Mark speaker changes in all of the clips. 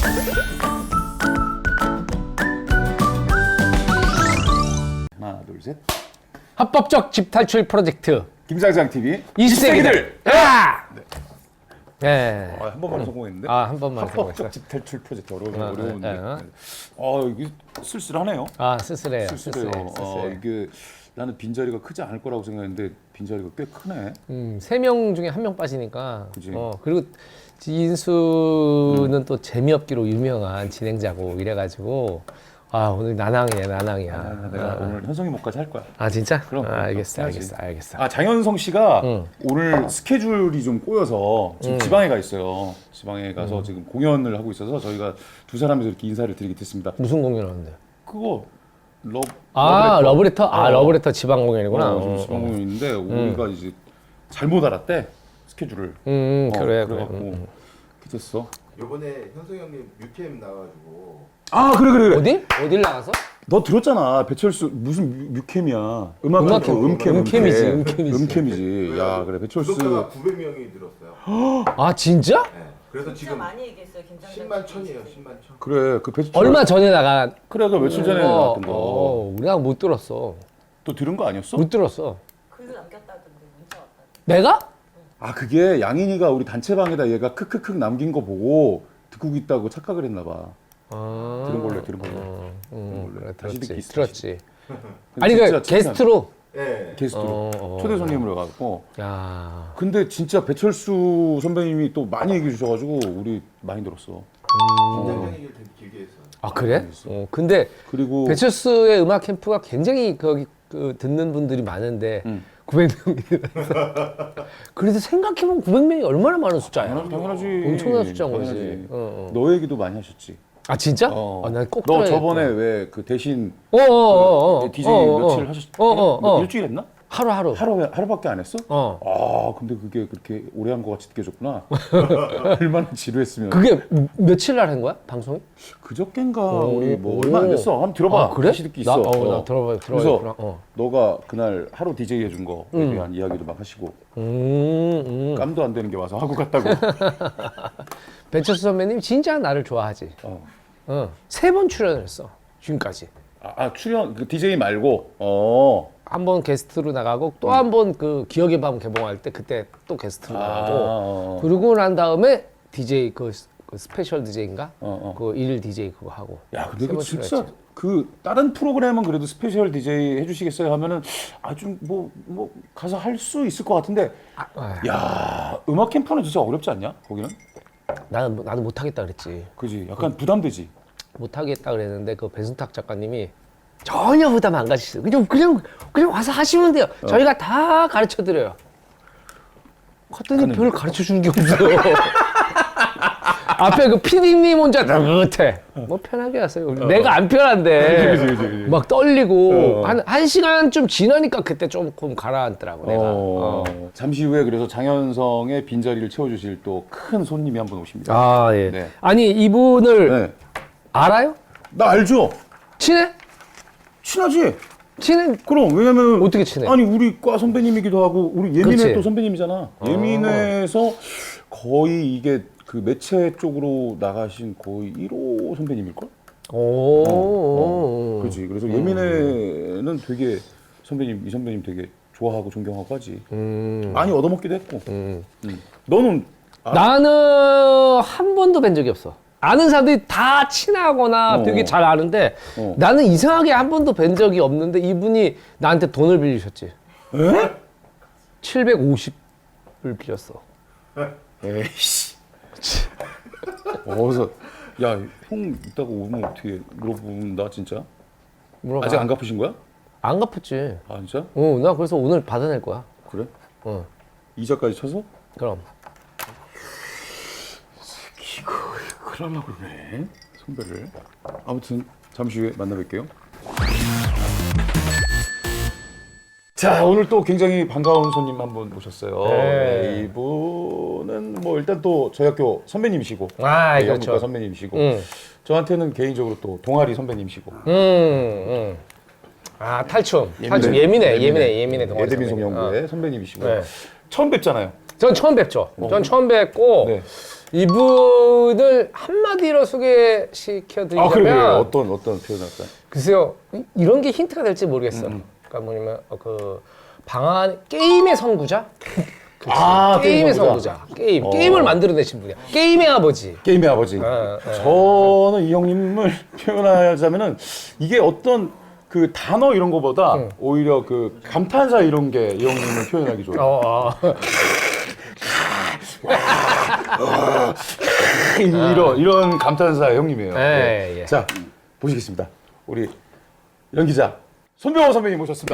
Speaker 1: 하나, 둘, 셋.
Speaker 2: 합법적 집 탈출 프로젝트
Speaker 1: 김장장 TV
Speaker 2: 20세기들. 야! 네.
Speaker 1: 한 번만 성공했는데.
Speaker 2: 한 번만 성공했어요.
Speaker 1: 합법적 집 탈출 프로젝트 어려운데. 이게 쓸쓸하네요.
Speaker 2: 쓸쓸해요.
Speaker 1: 쓸쓸해요. 이게 나는 빈자리가 크지 않을 거라고 생각했는데 빈자리가 꽤 크네.
Speaker 2: 3명 중에 1명 빠지니까.
Speaker 1: 그치.
Speaker 2: 그리고 인수는 또 재미없기로 유명한 진행자고 이래가지고 오늘 나낭이야.
Speaker 1: 내가 오늘 현성이 목까지 할 거야.
Speaker 2: 진짜?
Speaker 1: 그럼,
Speaker 2: 알겠어.
Speaker 1: 해야지.
Speaker 2: 알겠어.
Speaker 1: 장현성 씨가 오늘 스케줄이 좀 꼬여서 지금 지방에 가 있어요. 지방에 가서 지금 공연을 하고 있어서 저희가 두 사람에서 이렇게 인사를 드리게 됐습니다.
Speaker 2: 무슨 공연하는데?
Speaker 1: 그거
Speaker 2: 러브레터? 러브레터 지방 공연이구나.
Speaker 1: 지금 지방 공연인데 우리가 이제 잘못 알았대 스케줄을.
Speaker 2: 그래.
Speaker 1: 그래갖고 됐어.
Speaker 3: 요번에 현성 형님 뮤캠 나와가지고
Speaker 1: 그래.
Speaker 2: 어딜 나가서?
Speaker 1: 너 들었잖아. 배철수 무슨 뮤캠이야. 음캠이지. 야, 그래. 배철수.
Speaker 3: 구독자가 900명이 늘었어요.
Speaker 2: 진짜?
Speaker 3: 네. 그래서
Speaker 4: 진짜
Speaker 3: 지금
Speaker 4: 많이 얘기했어요. 김장장
Speaker 3: 10만 천이에요. 10만 천.
Speaker 1: 그래. 그 배철수.
Speaker 2: 얼마 전에 나간.
Speaker 1: 그래. 그 며칠 전에 나왔던 거.
Speaker 2: 우리가 못 들었어.
Speaker 1: 또 들은 거 아니었어?
Speaker 2: 못 들었어.
Speaker 4: 글 남겼다던데 문자 왔다던데.
Speaker 2: 내가?
Speaker 1: 그게 양인이가 우리 단체방에다 얘가 크크크 남긴 거 보고 듣고 있다고 착각을 했나 봐. 들은 걸로.
Speaker 2: 그래,
Speaker 1: 다시 듣기 있어,
Speaker 2: 들었지.
Speaker 1: 근데
Speaker 2: 아니
Speaker 1: 진짜
Speaker 2: 게스트로.
Speaker 3: 네.
Speaker 1: 게스트로 초대 손님으로 가고.
Speaker 2: 야.
Speaker 1: 근데 진짜 배철수 선배님이 또 많이 얘기해 주셔가지고 우리 많이 들었어.
Speaker 3: 김장장 얘기를 되게 길게 했어요.
Speaker 2: 그래? 근데
Speaker 1: 그리고
Speaker 2: 배철수의 음악 캠프가 굉장히 거기 듣는 분들이 많은데 900명이 그래도 생각해보면 900명이 얼마나 많은 숫자야?
Speaker 1: 당연하지.
Speaker 2: 엄청난 숫자인 거지.
Speaker 1: 당연하지.
Speaker 2: 어.
Speaker 1: 너 얘기도 많이 하셨지.
Speaker 2: 진짜?
Speaker 1: 어.
Speaker 2: 난 꼭
Speaker 1: 너
Speaker 2: 들어야겠다.
Speaker 1: 저번에 왜 그 대신 DJ 며칠 하셨? 일주일 했나?
Speaker 2: 하루.
Speaker 1: 하루밖에 안 했어? 근데 그게 그렇게 오래 한 거 같이 느껴졌구나. 얼마나 지루했으면.
Speaker 2: 그게 며칠 날 한 거야? 방송이?
Speaker 1: 그저껜가 우리 뭐 얼마 안 됐어. 한번 들어봐.
Speaker 2: 그래?
Speaker 1: 다시 듣기 있어.
Speaker 2: 나 들어봐.
Speaker 1: 그래서 너가 그날 하루 DJ 해준 거에 대한 이야기도 막 하시고 깜도 안 되는 게 와서 하고 갔다고.
Speaker 2: 배철수 선배님 진짜 나를 좋아하지. 3번 출연을 했어. 지금까지.
Speaker 1: 출연 그 DJ 말고.
Speaker 2: 한 번 게스트로 나가고 또 한 번 그 기억의 밤 개봉할 때 그때 또 게스트로 나가고 그러고 난 다음에 DJ 그 스페셜 DJ인가? 그 일 DJ 그거 하고.
Speaker 1: 야, 근데
Speaker 2: 세
Speaker 1: 그
Speaker 2: 번
Speaker 1: 진짜
Speaker 2: 출연했지.
Speaker 1: 그 다른 프로그램은 그래도 스페셜 DJ 해주시겠어요 하면은 좀 뭐 가서 할 수 있을 것 같은데. 야, 음악 캠프는 진짜 어렵지 않냐? 거기는?
Speaker 2: 나도 못하겠다 그랬지.
Speaker 1: 그지? 약간 부담되지.
Speaker 2: 못하겠다 그랬는데 그 배순탁 작가님이 전혀 부담 안 가지시죠. 그냥 와서 하시면 돼요. 저희가 다 가르쳐 드려요. 갔더니 별 가르쳐 주는 게 없어요. 앞에 그 PD님 혼자 느긋해. 뭐 편하게 하세요. 내가 안 편한데 막 떨리고 한 시간 좀 지나니까 그때 조금 가라앉더라고 내가.
Speaker 1: 잠시 후에 그래서 장현성의 빈자리를 채워주실 또 큰 손님이 한 분 오십니다.
Speaker 2: 예.
Speaker 1: 네.
Speaker 2: 아니 이분을
Speaker 1: 네.
Speaker 2: 알아요?
Speaker 1: 나 알죠?
Speaker 2: 친해?
Speaker 1: 친하지?
Speaker 2: 친해?
Speaker 1: 그럼 왜냐면
Speaker 2: 어떻게 친해?
Speaker 1: 아니 우리 과 선배님이기도 하고 우리 예민회
Speaker 2: 그치.
Speaker 1: 또 선배님이잖아. 예민회에서 거의 이게 그 매체 쪽으로 나가신 거의 1호 선배님일걸? 그렇지. 그래서 예민회는 되게 이 선배님 되게 좋아하고 존경하고 하지. 많이 얻어먹기도 했고. 너는
Speaker 2: 나는 한 번도 뵌 적이 없어. 아는 사람들이 다 친하거나 되게 잘 아는데 나는 이상하게 한 번도 뵌 적이 없는데 이분이 나한테 돈을 빌리셨지.
Speaker 1: 에?
Speaker 2: 750을 빌렸어.
Speaker 1: 에이씨. 어디서 야, 형 이따가 오면 어떻게 물어본다 진짜?
Speaker 2: 물어봐.
Speaker 1: 아직 안 갚으신 거야?
Speaker 2: 안 갚았지.
Speaker 1: 진짜?
Speaker 2: 나 그래서 오늘 받아낼 거야.
Speaker 1: 그래?
Speaker 2: 어.
Speaker 1: 이자까지 쳐서?
Speaker 2: 그럼.
Speaker 1: 이거 큰일 나려고 그러네 선배를. 아무튼 잠시 후에 만나뵐게요. 자, 오늘 또 굉장히 반가운 손님 한 분 모셨어요.
Speaker 2: 네.
Speaker 1: 이분은 뭐 일단 또 저희 학교 선배님이시고
Speaker 2: 그렇죠.
Speaker 1: 영문과 선배님이시고 저한테는 개인적으로 또 동아리 선배님이시고
Speaker 2: 탈춤 예민해 동아리
Speaker 1: 예대민속
Speaker 2: 선배님.
Speaker 1: 연구회 선배님이시고
Speaker 2: 네.
Speaker 1: 처음 뵙잖아요.
Speaker 2: 전 처음 뵙죠. 전 처음 뵙고
Speaker 1: 네.
Speaker 2: 이분을 한마디로 소개시켜드리자면
Speaker 1: 그래요. 어떤 표현할까요?
Speaker 2: 글쎄요, 이런 게 힌트가 될지 모르겠어. 그러니까 뭐냐면 그 방안 게임의 선구자. 그치. 게임의 선구자. 게임을 만들어내신 분이야. 게임의 아버지.
Speaker 1: 게임의 아버지. 저는 이 형님을 표현하자면은 이게 어떤 그 단어 이런 거보다 오히려 그 감탄사 이런 게 이 형님을 표현하기 좋아요. 이런 감탄사 형님이에요.
Speaker 2: 예.
Speaker 1: 자, 보시겠습니다. 우리 연기자 손병호 선배님 모셨습니다.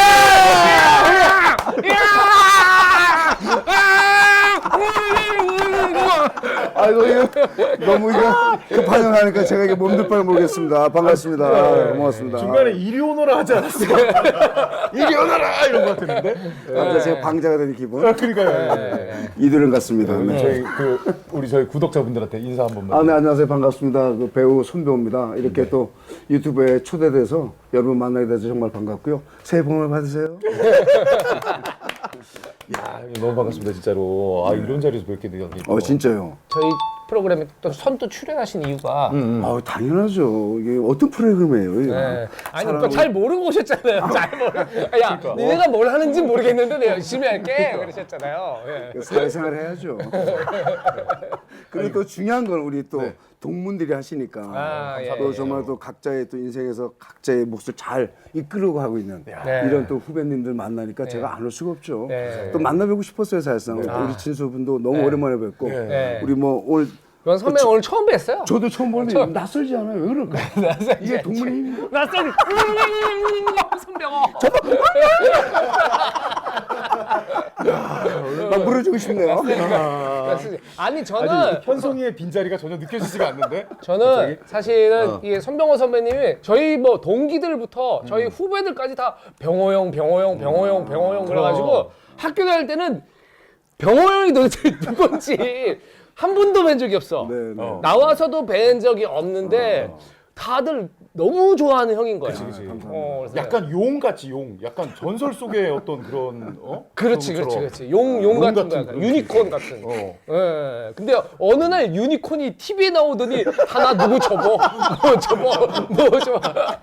Speaker 5: 아이고 이거 너무 이거 급한 하니까 제가 이게 몸둘 바를 모르겠습니다. 반갑습니다. 고맙습니다.
Speaker 1: 중간에 이리 오너라 하지 않았어요? 이리 오너라 이런 거 같았는데.
Speaker 5: 갑자기 제가 방자가 되는 기분.
Speaker 1: 그러니까요.
Speaker 5: 이들은 같습니다. 네.
Speaker 1: 저희 구독자분들한테 인사 한 번만.
Speaker 5: 네, 안녕하세요. 반갑습니다. 그 배우 손배우입니다. 이렇게 또 유튜브에 초대돼서 여러분 만나게 돼서 정말 반갑고요. 새해 복 많이 받으세요.
Speaker 1: 야, 너무 반갑습니다, 진짜로. 이런 자리에서 뵙게 되다니.
Speaker 5: 진짜요.
Speaker 2: 저희 프로그램에 또 선두 출연하신 이유가
Speaker 5: 당연하죠. 이게 어떤 프로그램이에요? 이게?
Speaker 2: 네. 아니 또 잘 모르고 오셨잖아요. 잘 모르. 야, 니네가 뭘 하는지 모르겠는데 내가 열심히 할게. 그러셨잖아요. 예.
Speaker 5: 사회생활 해야죠. 그리고 또 중요한 건 우리 또 동문들이 하시니까 또 정말 또 각자의 또 인생에서 각자의 몫을 잘 이끌고 하고 있는 이런 또 후배님들 만나니까 제가 안 올 수가 없죠. 또 만나뵙고 싶었어요, 사실상. 우리 진수분도 너무 오랜만에 뵙고 우리 뭐 오늘
Speaker 2: 원 선배 오늘 처음 뵀어요.
Speaker 5: 저도 처음 보는데 낯설지 않아요? 왜 그럴까? 이게 동문의 힘인가?
Speaker 2: 낯선 손병호.
Speaker 5: 막 물어주고 싶네요.
Speaker 2: 아니 저는
Speaker 1: 현송이의 빈자리가 전혀 느껴지지가 않는데?
Speaker 2: 저는 사실은 이게 손병호 선배님이 저희 뭐 동기들부터 저희 후배들까지 다 병호 형 그래가지고 학교 다닐 때는 병호 형이 도대체 누군지 한 번도 뵌 적이 없어. 나와서도 뵌 적이 없는데 다들 너무 좋아하는 형인 거야. 그래서
Speaker 1: 약간 용같이 용. 약간 전설 속의 어떤 그런
Speaker 2: 그렇지. 용 같은 거, 약간 유니콘 같은. 예. 근데 어느 날 유니콘이 TV에 나오더니 하나 누구 접어, 뭐 접어.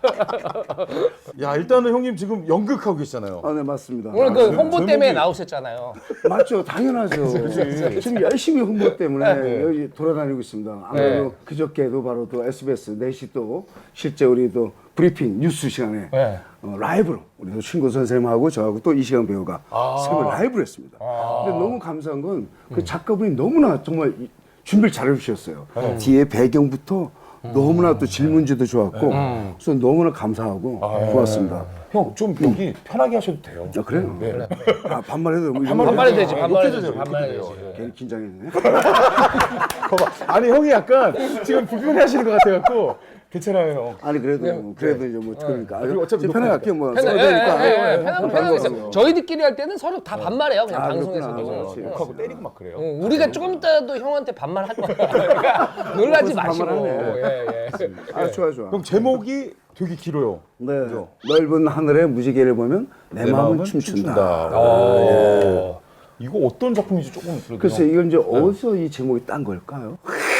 Speaker 1: 야, 일단은 형님 지금 연극하고 계시잖아요.
Speaker 5: 네, 맞습니다.
Speaker 2: 오늘 그 홍보 때문에
Speaker 1: 제목이-
Speaker 2: 나오셨잖아요.
Speaker 5: 맞죠, 당연하죠. 지금 열심히 홍보 때문에 여기 돌아다니고 있습니다. 아무래도 그저께도 바로 또 SBS 4시 또 실제 우리 또 브리핑 뉴스 시간에 라이브로 우리 또 친구 선생님하고 저하고 또 이시간 배우가 새벽 라이브를 했습니다. 근데 너무 감사한 건 그 작가분이 너무나 정말 준비를 잘 해주셨어요. 뒤에 배경부터 너무나 또 질문지도 좋았고 그래서 너무나 감사하고 고맙습니다.
Speaker 1: 형, 좀 여기 편하게 하셔도 돼요.
Speaker 5: 그래요?
Speaker 1: 네.
Speaker 5: 반말해도 뭐 이런
Speaker 2: 반말해도
Speaker 5: 거
Speaker 2: 되지, 반말해도 되지,
Speaker 1: 이렇게
Speaker 2: 반말해도
Speaker 1: 돼요.
Speaker 2: 되지.
Speaker 5: 괜히 긴장했네.
Speaker 1: 봐봐. 아니, 형이 약간 지금 불편해 하시는 것 같아갖고 괜찮아요, 형.
Speaker 5: 아니 그래도 이제 뭐 그러니까
Speaker 1: 그리고 어차피
Speaker 5: 편하게 할게요 뭐 써야
Speaker 2: 편하게
Speaker 5: 되니까.
Speaker 2: 있어요. 저희끼리 할 때는 서로 다 반말해요. 그냥 방송에서도.
Speaker 5: 그렇구나.
Speaker 1: 욕하고 때리고 막 그래요.
Speaker 2: 우리가 조금 이따도 형한테 반말할 거야. 그러니까 놀라지 마시고.
Speaker 5: 반말하네. 아 좋아.
Speaker 1: 형, 제목이 되게 길어요.
Speaker 5: 네. 넓은 하늘의 무지개를 보면 내 마음은 춤춘다.
Speaker 1: 이거 어떤 작품인지 조금 그래도
Speaker 5: 글쎄 이건 이제 어디서 이 제목이 딴 걸까요?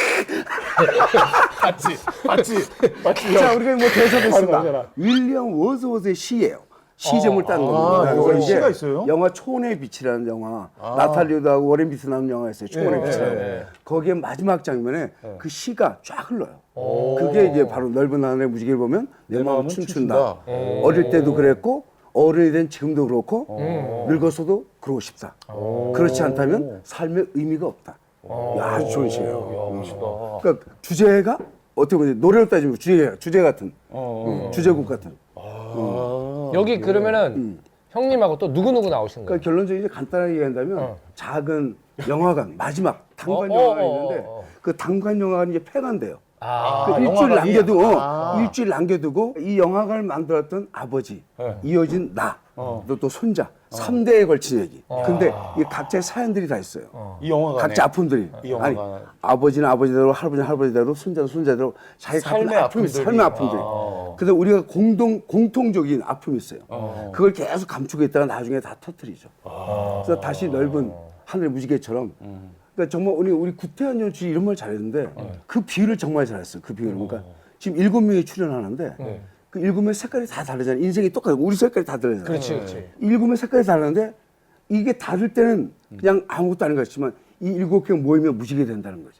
Speaker 1: 맞지.
Speaker 5: 자 우리가 뭐 대사도
Speaker 1: 맞아.
Speaker 5: 있습니다. 윌리엄 워즈워드의 시예요. 시 제목을 딴 겁니다.
Speaker 1: 여기
Speaker 5: 그래서 이제
Speaker 1: 시가 있어요?
Speaker 5: 영화 초원의 빛이라는 영화 나탈리오드하고 워렌 비트 나온 영화 있어요. 초원의 빛이라고. 거기에 마지막 장면에 그 시가 쫙 흘러요. 그게 이제 바로 넓은 하늘의 무지개를 보면 내 마음은 춤춘다. 어릴 때도 그랬고 어른이 된 지금도 그렇고 늙어서도 그러고 싶다. 그렇지 않다면 삶의 의미가 없다. 아주 좋은 시예요.
Speaker 1: 멋있다.
Speaker 5: 그러니까 주제가 어떻게 보면 노래로 따지면 주제 같은 주제곡 같은.
Speaker 2: 여기 그러면은 형님하고 또 누구 나오신 거예요?
Speaker 5: 그러니까 결론적으로 이제 간단하게 얘기한다면 작은 영화관 마지막 단관 영화가 있는데 그 단관 영화관이 이제 폐관돼요. 그 일주일 남겨두고 이 영화관을 만들었던 아버지, 이어진 나, 또 손자, 3대에 걸친 얘기. 근데 이 각자의 사연들이 다 있어요.
Speaker 1: 이 영화가
Speaker 5: 각자 아픔들이.
Speaker 1: 이 영화가-
Speaker 5: 아니, 아버지는 아버지대로, 할아버지는 할아버지대로, 손자는 손자대로 자기
Speaker 1: 삶의
Speaker 5: 같은 아픔이 있어요. 삶의 아픔들이. 근데 우리가 공통적인 아픔이 있어요. 그걸 계속 감추고 있다가 나중에 다 터뜨리죠. 그래서 다시 넓은 하늘 무지개처럼 그러니까 정말 우리 구태환 연출이 이런 말 잘했는데 그 비유를 정말 잘했어요. 그 비유를. 그러니까 지금 7명이 출연하는데 그 7명 색깔이 다 다르잖아요. 인생이 똑같고 우리 색깔이 다 다르잖아요.
Speaker 2: 그렇지.
Speaker 5: 7명 색깔이 다르는데 이게 다를 때는 그냥 아무것도 아닌 것 같지만 이 7명 모이면 무지개 된다는 거죠.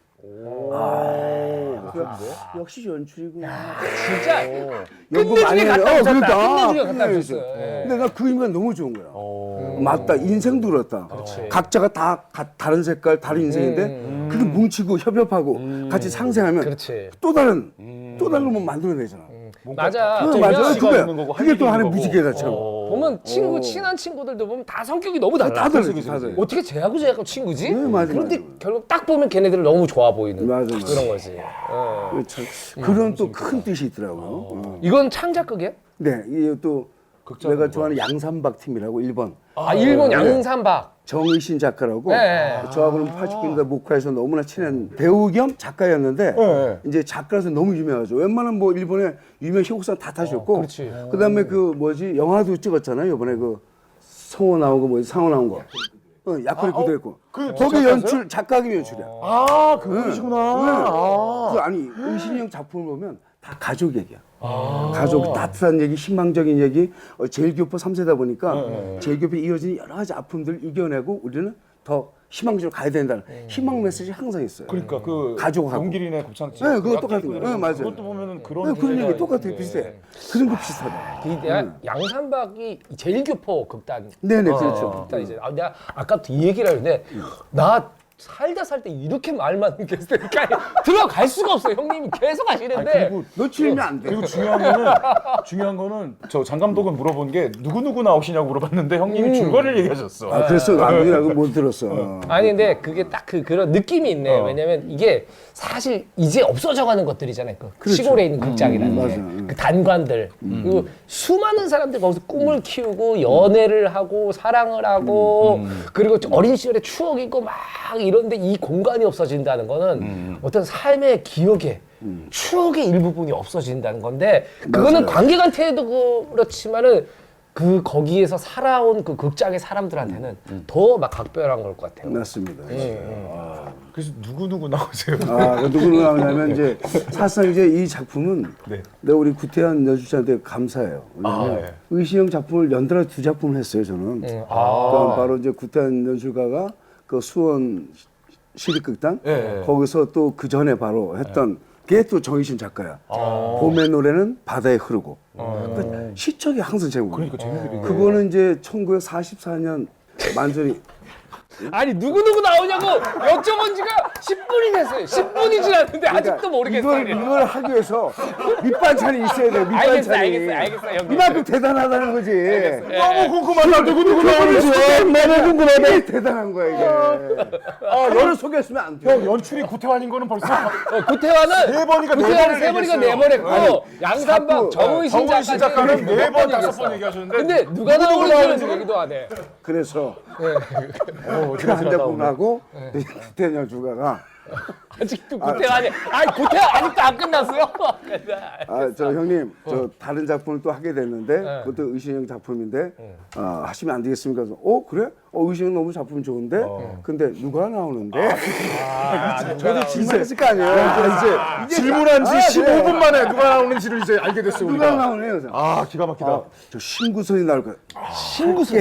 Speaker 5: 역시 연출이구나.
Speaker 2: 진짜
Speaker 5: 연구 많이 해요. 그러니까.
Speaker 2: 끝내주기가 갖다 줬어요. 예.
Speaker 5: 근데 나 그 의미가 너무 좋은 거야. 맞다. 인생도 그렇다. 각자가 다 다른 색깔, 다른 인생인데 그게 뭉치고 협업하고 같이 상생하면
Speaker 2: 그렇지.
Speaker 5: 또 다른 걸 뭐 만들어내잖아.
Speaker 2: 맞아.
Speaker 5: 맞아.
Speaker 1: 씨가 있는 거고,
Speaker 5: 그게 또
Speaker 1: 할
Speaker 5: 하나의
Speaker 1: 일이 있는
Speaker 5: 무지개다처럼.
Speaker 2: 보면 친한 친구들도 보면 다 성격이 너무 달라.
Speaker 5: 다 다르지, 다 다르지.
Speaker 2: 어떻게 쟤하고 쟤하고 친구지?
Speaker 5: 네, 맞아,
Speaker 2: 그런데
Speaker 5: 맞아.
Speaker 2: 결국 딱 보면 걔네들 너무 좋아 보이는
Speaker 5: 맞아.
Speaker 2: 그런 거지.
Speaker 5: 참, 그런 또 큰 뜻이 있더라고요.
Speaker 2: 이건 창작극이야?
Speaker 5: 네, 이게 또 내가 좋아하는 양산박 팀이라고 1번
Speaker 2: 일본 양산박.
Speaker 5: 정의신 작가라고
Speaker 2: 네.
Speaker 5: 저하고는 80년대 목화에서 너무나 친한 배우 겸 작가였는데 이제 작가라서 너무 유명하죠. 웬만한 뭐 일본의 유명 희곡상 다 타셨고
Speaker 2: 그렇지.
Speaker 5: 그다음에 그 뭐지 영화도 찍었잖아요. 이번에 그 성호 나온 거 뭐지 상호 나온 거. 약혼의 그대로 했고 거기 연출 작가기 연출이야.
Speaker 1: 아, 그분이시구나.
Speaker 5: 그 아니 의신이 형 작품을 보면 다 가족 얘기야. 가족 따뜻한 얘기, 희망적인 얘기. 제일교포 3세다 보니까 제일교포에 이어지는 여러 가지 아픔들 이겨내고 우리는 더 희망적으로 가야 된다는 희망 메시지 항상 있어요.
Speaker 1: 그러니까 그
Speaker 5: 가족하고.
Speaker 1: 용길이네 곱창집.
Speaker 5: 네, 그거 똑같은 거예요. 네, 맞아요.
Speaker 1: 그것도 보면은 그런
Speaker 5: 그런
Speaker 1: 주제가
Speaker 5: 얘기 똑같아요.
Speaker 1: 있는데.
Speaker 5: 비슷해. 그런 거 비슷하다.
Speaker 2: 양산박이 제일교포 극단.
Speaker 5: 네네, 그렇죠.
Speaker 2: 극단 이제 내가 아까부터 이 얘기를 하는데 나 살다 이렇게 말 많은 게스트니까 들어갈 수가 없어. 형님이 계속 하시는데.
Speaker 1: 그리고
Speaker 5: 놓치면 안 돼.
Speaker 1: 그리고 중요한 거는 저 장 감독은 물어본 게 누구 나오시냐고 물어봤는데 형님이 줄거리를 얘기하셨어.
Speaker 5: 아, 그랬어. 아무리라고 못 들었어.
Speaker 2: 아니 근데 그게 딱 그런 느낌이 있네. 왜냐면 이게 사실 이제 없어져가는 것들이잖아요. 그 시골에 있는 극장이라는 게.
Speaker 5: 맞아.
Speaker 2: 그 단관들. 그리고 수많은 사람들이 거기서 꿈을 키우고 연애를 하고 사랑을 하고 그리고 어린 시절의 추억이 있고 막 이런데 이 공간이 없어진다는 거는 어떤 삶의 기억에 추억의 일부분이 없어진다는 건데 그거는 관객한테도 그렇지만은 그 거기에서 살아온 그 극장의 사람들한테는 더 막 각별한 걸 것 같아요.
Speaker 5: 맞습니다.
Speaker 1: 그래서 누구 나오세요?
Speaker 5: 그 누구 나오냐면 이제 사실상 이제 이 작품은
Speaker 1: 네.
Speaker 5: 내가 우리 구태환 연출자한테 감사해요. 왜냐면
Speaker 1: 예.
Speaker 5: 의시형 작품을 연달아 2작품을 했어요. 저는. 그러니까 바로 이제 구태환 연출가가 그 수원 시립극단 거기서 또 그 전에 바로 했던 그게 또 정의신 작가야. 봄의 노래는 바다에 흐르고. 그러니까 시적이 항상 제목이에요.
Speaker 1: 그러니까 재밌게
Speaker 5: 그거는 이제 1944년 만전이
Speaker 2: 아니 누구 나오냐고 여쭤본 지가 10분이 됐어요. 10분이 지났는데 아직도 모르겠어요.
Speaker 5: 이걸 하기 위해서 밑반찬이 있어야 돼. 밑반찬이.
Speaker 2: 알겠어, 형님.
Speaker 5: 이만큼 대단하다는 거지.
Speaker 1: 너무 궁금하다. 누구 나오는지.
Speaker 5: 너무 궁금하다. 이게 대단한 거야 이게. 너를 소개했으면 안 돼.
Speaker 1: 형 연출이 구태환인 거는 벌써
Speaker 2: 구태환은
Speaker 1: 네 번이니까 네
Speaker 2: 구태환은
Speaker 1: 번을
Speaker 2: 3번이니까
Speaker 1: 얘기했어요.
Speaker 2: 4번 했고 양산박 정의신
Speaker 1: 정의신 작가는 4번, 5번 얘기하셨는데
Speaker 2: 근데 누가 나오는지는 얘기도 안 해.
Speaker 5: 그래서 그 한 작품 하고 구태현 주가가
Speaker 2: 아직도 구태환이 구태환 아직도 안 끝났어요.
Speaker 5: 저 형님 저 다른 작품을 또 하게 됐는데 그것도 의신형 작품인데 하시면 안 되겠습니까? 그래서 그래? 의신형 너무 작품 좋은데 근데 누가 나오는데? 저도 질문했을 거 아니에요.
Speaker 1: 이제 질문한 지 15분 만에 누가 나오는지를 이제 알게 됐어요.
Speaker 5: 누가
Speaker 1: 우리가.
Speaker 5: 나오네요. 그래서.
Speaker 1: 기가 막히다.
Speaker 5: 저 신구선이 나올 거야. 신구선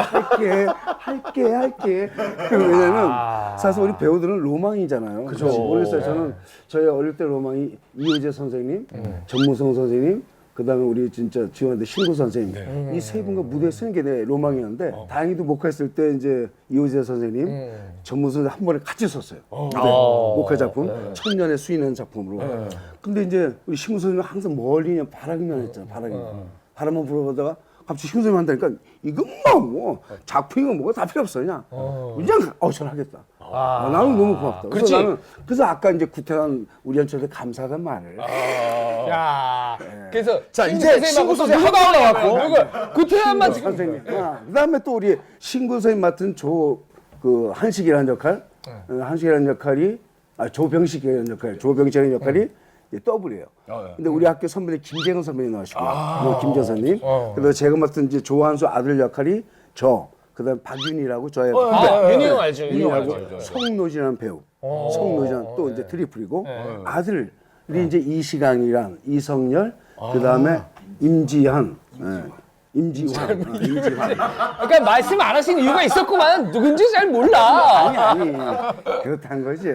Speaker 5: 할게. 왜냐면 사실 우리 배우들은 로망이잖아요. 그죠. 모르겠어요. 저는 저희 어릴 때 로망이 이효재 선생님, 전무성 선생님, 그다음에 우리 진짜 지원대 신구 선생님 이 세 분과 무대에 서는 게 내 로망이었는데 다행히도 목화했을 때 이제 이효재 선생님, 전무성 선생님 한 번에 같이 섰어요. 목화 작품 천년의 수인은 작품으로. 근데 이제 우리 신구 선생님은 항상 멀리 그냥 바라기만 했잖아. 바라만 불어보다가 갑자기 신구 선생님 한다니까 이건 뭐 작품이고 뭐가 다 필요 없어 그냥 저는 하겠다. 나는 너무 고맙다.
Speaker 2: 그렇지.
Speaker 5: 그래서 아까 이제 구태환 우리 연출한테 감사하단 말을.
Speaker 2: 야, 그래서
Speaker 1: 자, 이제 신구 선생님
Speaker 2: 누가
Speaker 1: 나왔고.
Speaker 2: 누가 구태환만 지금
Speaker 5: 선생님. 그다음에 또 우리 신구 선생님 맡은 그 한식이라는 역할, 한식이라는 역할이 조병식이라는 역할, 조병식이라는 역할이 더블이에요. 근데 우리 학교 선배님 김재근 선배님 나오시고요. 김재선님. 그래서 제가 맡은 이제 조한수 아들 역할이 그다음 박윤희라고 저의
Speaker 2: 윤희 형 알죠? 윤희 형
Speaker 5: 윤희하고
Speaker 2: 알죠?
Speaker 5: 성노진이라는 배우, 성노진 또 이제 트리플이고 아들이 이제 이시강이랑 이성열, 그다음에 임지한, 임지환.
Speaker 2: 그러니까 말씀 안 하신 이유가 있었구만. 누군지 잘 몰라.
Speaker 5: 아니 그렇단 거지.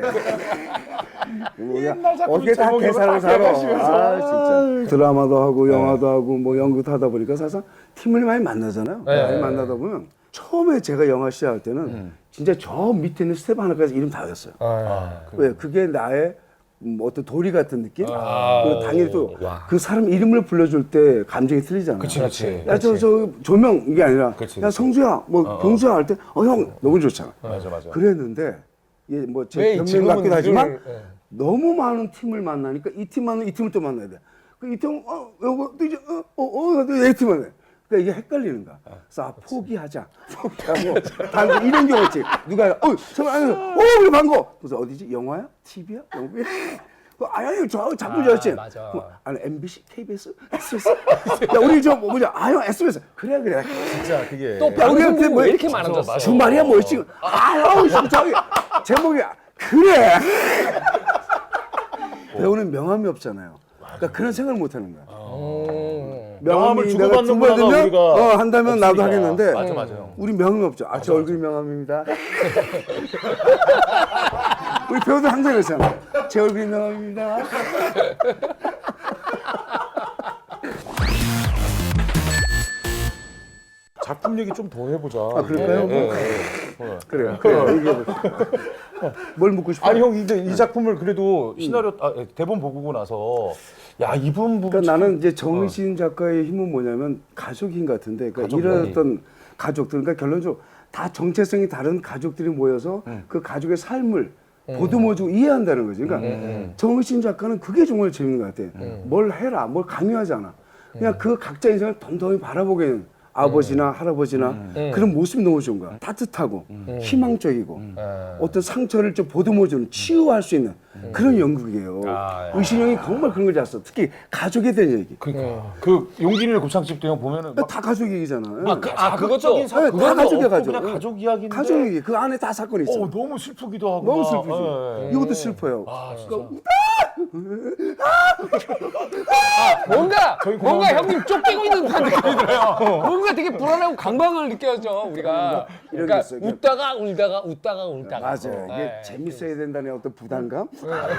Speaker 5: 어떻게 다 계산을 살아? 진짜 드라마도 하고 영화도 하고 뭐 연극도 하다 보니까 사실 팀을 많이 만나잖아요. 많이 만나다 보면 처음에 제가 영화 시작할 때는 진짜 저 밑에 있는 스텝 하나까지 이름 다 외웠어요. 왜? 그게 나의 어떤 도리 같은 느낌? 그리고 당연히 또 그 사람 이름을 불러줄 때 감정이 틀리잖아요.
Speaker 1: 그렇지.
Speaker 5: 야, 저 조명 이게 아니라 야, 성수야, 뭐 병수야 할 때 형 너무 좋잖아.
Speaker 1: 맞아.
Speaker 5: 그랬는데 이게 뭐
Speaker 2: 왜
Speaker 5: 제
Speaker 2: 지금은
Speaker 5: 변명 같기도 하지만
Speaker 2: 이걸,
Speaker 5: 너무 많은 팀을 만나니까 이 팀 만나면 이 팀을 또 만나야 돼. 그 이 팀 요거 또 이제 내 팀 만나. 그러니까 이게 헷갈리는 거야. 그래서 포기하자. 포기하고 방금 이런 경우 있지. 누가 정말 안 해서 그래 반거. 그래서 어디지? 영화야? TV야? 영국이야? 아니 저 자꾸 저랬지.
Speaker 2: 맞아.
Speaker 5: 아니 MBC, KBS, SBS. 야 우리 저 뭐냐? 형 SBS. 그래.
Speaker 1: 진짜 그게
Speaker 2: 또 방송국이 왜 이렇게 많아졌어?
Speaker 5: 주말이야 뭐 지금. 저기 제목이 그래. 배우는 명함이 없잖아요. 그러니까 그런 생각을 못 하는 거야.
Speaker 1: 명함을
Speaker 5: 내가
Speaker 1: 주고받는
Speaker 5: 두 번
Speaker 1: 문화가
Speaker 5: 들면
Speaker 1: 우리가
Speaker 5: 한다면 나도
Speaker 1: 없으니까.
Speaker 5: 하겠는데
Speaker 1: 맞아요.
Speaker 5: 우리 명함이 없죠. 제 얼굴 명함입니다. 우리 배우들 항상 그러잖아. 제 얼굴 명함입니다.
Speaker 1: 작품 얘기 좀 더 해보자.
Speaker 5: 그럴까요? 그래요. 이게 뭘 묻고 싶어?
Speaker 1: 아니 형 이 작품을 그래도 시나리오 대본 보고 나서 야 이분 부분
Speaker 5: 그러니까 나는 이제 정의신 작가의 힘은 뭐냐면 가족인 것 같은데, 그러니까 이런 어떤 가족들, 그러니까 결론적으로 다 정체성이 다른 가족들이 모여서 그 가족의 삶을 보듬어주고 이해한다는 거지. 그러니까 정의신 작가는 그게 정말 재밌는 것 같아. 뭘 해라, 뭘 강요하지 않아. 그냥 그 각자 인생을 덤덤히 바라보게 되는 아버지나 할아버지나 그런 모습이 너무 좋은 거야. 따뜻하고 희망적이고 어떤 상처를 좀 보듬어주는, 치유할 수 있는 그런 연극이에요. 의신이 형이 정말 그런 걸 잘써. 특히 가족에 대한 얘기.
Speaker 1: 그러니까 그 용기를 곱창집도 형 보면은 막
Speaker 5: 다 가족 얘기잖아요.
Speaker 1: 자극적인 사건
Speaker 5: 다 가족이야, 가족.
Speaker 1: 그냥 가족 이야기인데
Speaker 5: 가족 얘기. 그 안에 다 사건이 있어.
Speaker 1: 너무 슬프기도 하고
Speaker 5: 너무
Speaker 1: 막,
Speaker 5: 슬프지.
Speaker 1: 예.
Speaker 5: 이것도 슬퍼요.
Speaker 2: 뭔가 형님 쫓기고 있는 듯한 느낌이 들어요. 뭔가 되게 불안하고 강박을 느껴져 우리가.
Speaker 5: 이런 게
Speaker 2: 그러니까
Speaker 5: 있어요.
Speaker 2: 웃다가 울다가.
Speaker 5: 맞아요. 이게
Speaker 2: 네.
Speaker 5: 재밌어야 된다는 어떤 부담감?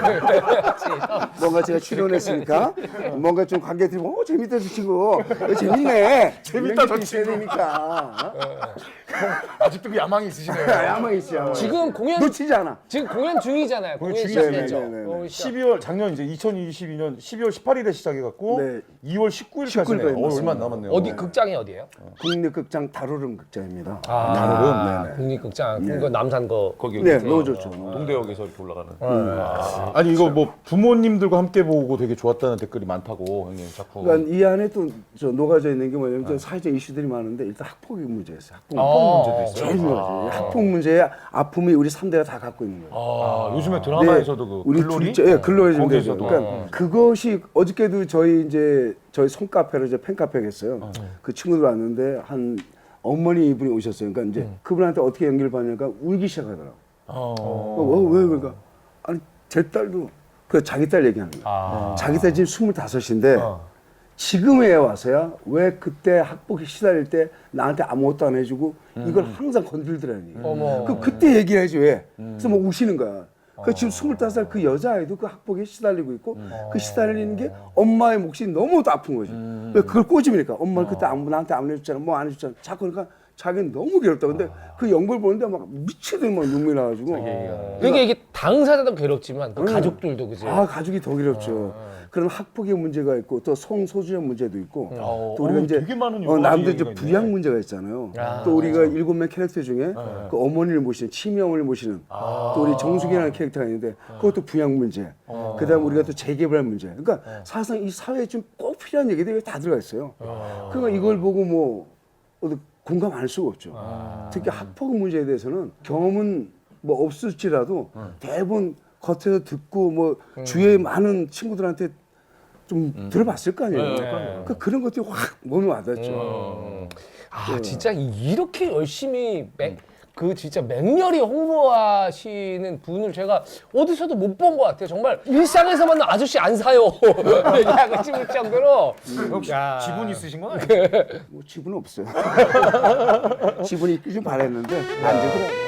Speaker 5: 뭔가 제가 출연했으니까 뭔가 좀 관객들이 재밌다 저 친구. 재밌네.
Speaker 1: 재밌다, 저
Speaker 5: 있어야 되니까.
Speaker 1: 아직도 그 야망이 있으시네요.
Speaker 5: 야망이 있어. 야망.
Speaker 2: 지금 공연
Speaker 5: 놓치지 않아.
Speaker 2: 지금 공연 중이잖아요. 공연
Speaker 5: 중이죠.
Speaker 2: 시작됐죠.
Speaker 5: 네네네.
Speaker 1: 12월 작년 이제 2022년 12월 18일에 시작해갖고
Speaker 5: 네.
Speaker 1: 2월 19일까지네요.
Speaker 5: 19일까지
Speaker 1: 얼마 안 남았네요.
Speaker 2: 어디 극장이 어디예요?
Speaker 5: 국립극장 다루름 극장입니다.
Speaker 1: 다르름.
Speaker 2: 국립극장. 그 남산 거.
Speaker 1: 거기
Speaker 5: 네, 너무 좋죠.
Speaker 1: 동대역에서 이렇게 올라가는. 아니 이거 뭐 부모님들과 함께 보고 되게 좋았다는 댓글이 많다고 형님 작품.
Speaker 5: 그러니까 이 안에 또 저 녹아져 있는 게 뭐냐면 저 사회적 이슈들이 많은데 일단 학폭의 문제였어요. 학폭 문제도 있어요. 제일 중요하지. 학폭 문제의 아픔이 우리 3대가 다 갖고 있는 거예요.
Speaker 1: 요즘에 드라마에서도
Speaker 5: 네,
Speaker 1: 그
Speaker 5: 우리
Speaker 1: 글로리?
Speaker 5: 글로리 좀 되죠.
Speaker 1: 거기에서도.
Speaker 5: 그러니까 그것이 어저께도 저희 손카페로 이제 팬카페 했어요. 그 친구들 왔는데 한 어머니 분이 오셨어요. 그러니까 이제 그분한테 어떻게 연결을 받냐니까 울기 시작하더라고. 왜 그러니까 아니 제 딸도 그 자기 딸 얘기하는 거야. 자기 딸 지금 25인데 지금에 와서야 왜 그때 학폭에 시달릴 때 나한테 아무것도 안 해주고 이걸 항상 건들더라니. 그때 얘기를 해줘 왜? 그래서 뭐 우시는 거야. 그 지금 25살 그 여자아이도 그 학폭에 시달리고 있고 그 시달리는 게 엄마의 몫이 너무 아픈 거지. 왜 그걸 꼬집으니까 엄마는 그때 나한테 안 해줬잖아, 뭐 안 해줬잖아. 자꾸 그러니까 자기는 너무 괴롭다. 근데 그 연극을 보는데 막 미치듯 막 눈물이 나가지고.
Speaker 2: 그러니까 이게 당사자도 괴롭지만 그 가족들도 그죠.
Speaker 5: 가족이 더 괴롭죠. 그런 학폭의 문제가 있고 또 성소수자 문제도 있고 또 우리가 이제
Speaker 1: 되게 많은 여러 가지
Speaker 5: 남들 이제
Speaker 1: 얘기가 있네.
Speaker 5: 부양 문제가 있잖아요. 또 우리가 7명 캐릭터 중에 그 어머니를 모시는 치명을 모시는 또 우리 정숙이라는 캐릭터가 있는데 그것도 부양 문제. 그다음 우리가 또 재개발 문제. 그러니까 사실상 이 사회에 좀 꼭 필요한 얘기들이 다 들어가 있어요. 그러니까 이걸 보고 뭐 공감 안 할 수가 없죠. 특히 학폭 문제에 대해서는 경험은 뭐 없을지라도 대부분 겉에서 듣고 뭐 주위에 많은 친구들한테 좀 들어봤을 거 아니에요. 그러니까 그런 것들이 확 몸에 와닿죠.
Speaker 2: 아 진짜 이렇게 열심히 그 진짜 맹렬히 홍보하시는 분을 제가 어디서도 못 본 것 같아요. 정말 일상에서 만난 아저씨 안 사요. 얘기하고 싶을 정도로.
Speaker 1: 혹시
Speaker 2: 야.
Speaker 1: 지분 있으신 건 아니에요?
Speaker 5: 뭐 지분은 없어요. 지분이 있길 좀 바랬는데 안 되더라고요.